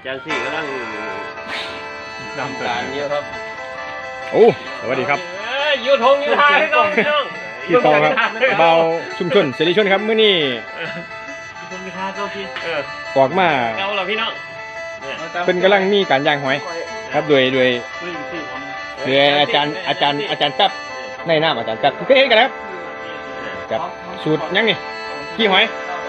จารย์สี่กำลังดำการเยอะครับโอ้สวัสดีครับยูทงยูทาให้น้องพี่น้องพี่ตองครับเบาชุมชนเสรีชนครับมื้อนี้คนมีค่าเก้าพี่ออกมาเก้าเหรอพี่น้องเป็นกำลังมีการย่างหอยครับโดยอาจารย์แป๊บในน้ำอาจารย์แป๊บเคยเห็นกันแล้วครับสูตรยังนี่กี้หอย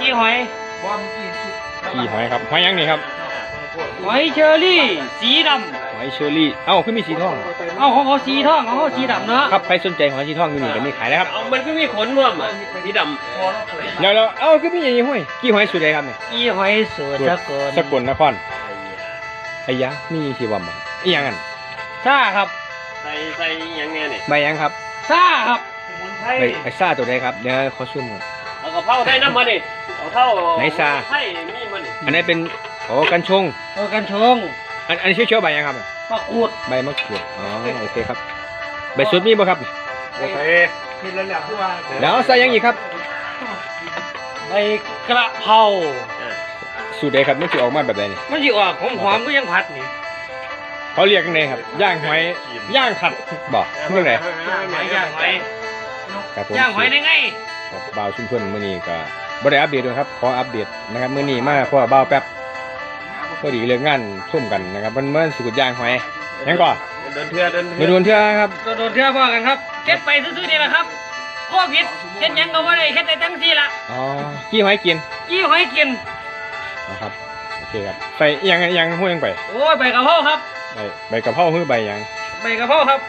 ครับหอยยังนี่ครับหอยเชอรี่สีดำหอยเชอรี่เอ้าคือมีสีทองของเขาสีทองของเขาสีดำเนาะครับใครสนใจหอยสีทองอยู่นี่ก็มีขายแล้วครับมันก็มีขนร่วมสีดำแล้วเอ้าคือมีอย่างนี้ห้อยกี้หอยสูตรใดครับเนี่ยกี้หอยสูตรสกลนครไอ้ยะมีที่ว่าบ่อีหยังกันซ่าครับใส่ยังไงเนี่ยใบยังครับซ่าครับใบซ่าตัวใดครับเดี๋ยวขอซูมก่อนเอากระเพราได้น้ำมันดิเอาเท่าไหนซ่าให้มีมันอันนี้เป็นกัญชงอันนี้ชื่อใบยังครับมะกรูดใบมะกรูดอ๋อโอเคครับใบสุดมีบ่ครับโอเคแล้วใส่ยังอีกครับใบกระเพราสูตรใดครับมันจะออกมาแบบไหนนี่มันจะออกหอมก็ยังผัดนี่เขาเรียกยังไงครับย่างหอยย่างขัดบอกเรื่องไหนย่างหอยย่างหอยได้ไงบ่าวชุมชนมื้อนี้ก็บ่ได้อัปเดตด้วยครับขออัปเดตนะครับมื้อนี้มาเพราะว่าบ่าวแป๊บพอดีเรื่องงานทุ่มกันนะครับมันสูตรย่างหอยยังก่อนโดนเทื่อครับโดนเทื่อพ่อกันครับเก็บไปซื่อๆนี่แหละครับโควิดเฮ็ดหยังก็บ่ได้เฮ็ดได้ทั้งที่ละอ๋อกี้หอยกินนะครับโอเคครับใส่ยังห้วยยังไปโอ้ยใบกะเพราครับใบกะเพราคือใบยังใบกะเพราครับ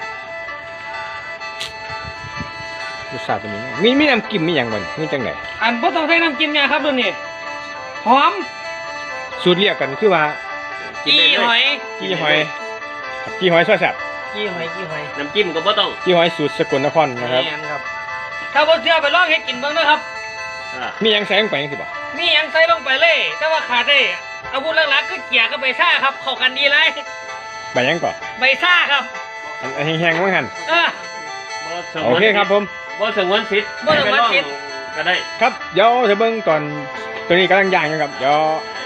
รสชาติเป็นยังไงมีน้ำจิ้มมีอย่างบ่มีจังไหนอันบ่ต้องใส่น้ำจิ้มเนี่ยครับตัวนี้หอมสูตรเรียกกันคือว่ากี้หอยซอยแซ่บกี้หอยน้ำจิ้มก็บ่ต้องกี้หอยสูตรสกลนครนะครับถ้าบ่เชื่อไปลองให้กินเบิ่งนะครับมีหยังใส่ลงไปจังซี่บ่มีหยังใส่ลงไปเลยแต่ว่าขาดได้อาวุธหลักๆคือเกียร์กับใบซ่าครับเข้ากันดีเลยใบยังก่อนใบซ่าครับอันแห้งๆมั้งหั่นโอเคครับผมบ่สงวนสิทธิ์ก็ได้ครับเดี๋ยวจะเบิ่งตอนตัวนี้กำลังย่างอยู่ครับเดี๋ยว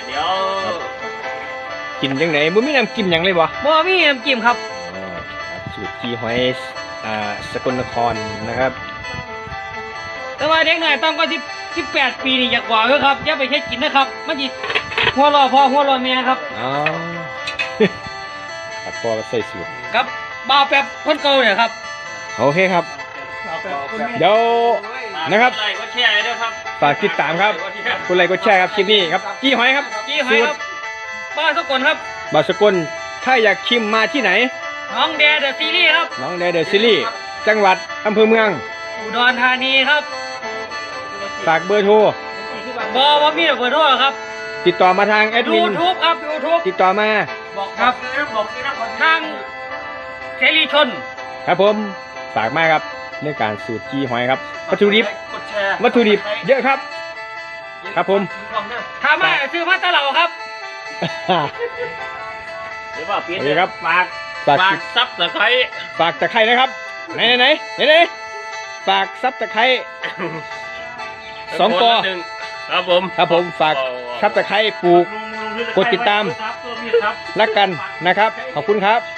กินจังไหนบ่มีน้ำจิ้มหยังเลยบ่มีน้ำจิ้มครับสูตรกี้หอยสกลนครนะครับแต่ว่าเด็กหน่อยต้องก็18 ปีนี่อยากบอกครับอย่าไปแค่กินนะครับมันสิหัวรอพ่อหัวรอเมียครับอ๋อครับพอใส่สูตรครับบ่าวแป๊บคนเก่าเนี่ยครับโอเคครับเดี๋ยวนะครับฝากติดตามครับคุณไลค์กดแชร์ครับคลิปนี้ครับกี้หอยครับบ้านสกลครับบ้านสกลถ้าอยากชิมมาที่ไหนน้องแดเดอะซีรีส์ครับน้องแดเดอะซีรีส์จังหวัดอำเภอเมืองอุดรธานีครับฝากเบอร์โทรบ่มีเบอร์โทรครับติดต่อมาทางแอดมิน YouTube ครับ YouTube ติดต่อมาครับทางเสรีชนครับผมฝากมากครับเรื่องการสูตรกี้หอยครับวัตถุดิบเยอะครับครับผมถามมาซื้อมาตะเหล่าครับหรือว่าเปลี่ยนครับฝากซับตะไคร้ฝากตะไคร้นะครับไหนฝากซับตะไคร้2 กอครับผมฝากซับตะไคร้ปลูกกดติดตามรักกันนะครับขอบคุณครับ